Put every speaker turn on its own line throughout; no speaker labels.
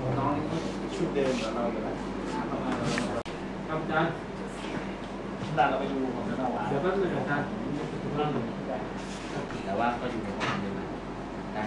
น้องนี่ชุดเดิมกับเราอยู่แล้วครับอาจารย์เราไปดูของเราเดี๋ยวแป๊บนึงอาจารย์
แต่ว่าก็อยู่ในความเดิมได้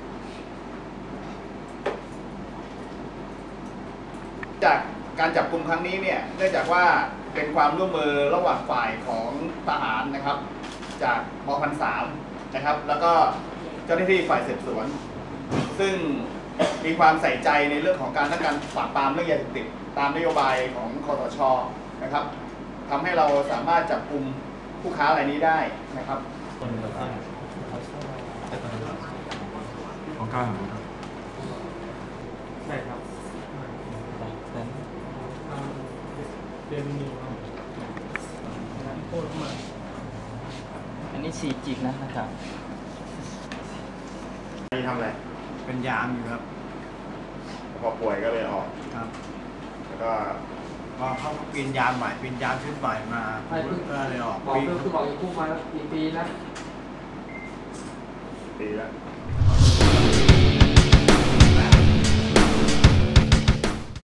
จากการจับกลุ่มครั้งนี้เนี่ยเนื่องจากว่าเป็นความร่วมมือระหว่างฝ่ายของทหารนะครับ จากม.3นะครับแล้วก็เจ้าหน้าที่ฝ่ายสืบสวนซึ่งมีความใส่ใจในเรื่องของการปราบปรามเรื่องยาเสพติดตามนโยบายของคสช.นะครับทำให้เราสามารถจับกลุ่มผู้ค้ารายนี้ได้นะครับ
ของกลางครับ
ใช่ครับเดนนิวโคตรมาก
อันนี้4 จิกนะครับ
นี่ทำอะไร
เป็นยามอยู่ครับ
พอป่วยก็เลยออก
ครับ
แล้วก็
พอเขาเปลี่ยนยามใหม่เปลี่ยนยามชุดใหม่มาก็เลยออก
บอกคือบอกอยู่คู่มากี่ปีแล้ว
ดีแล้ว
ป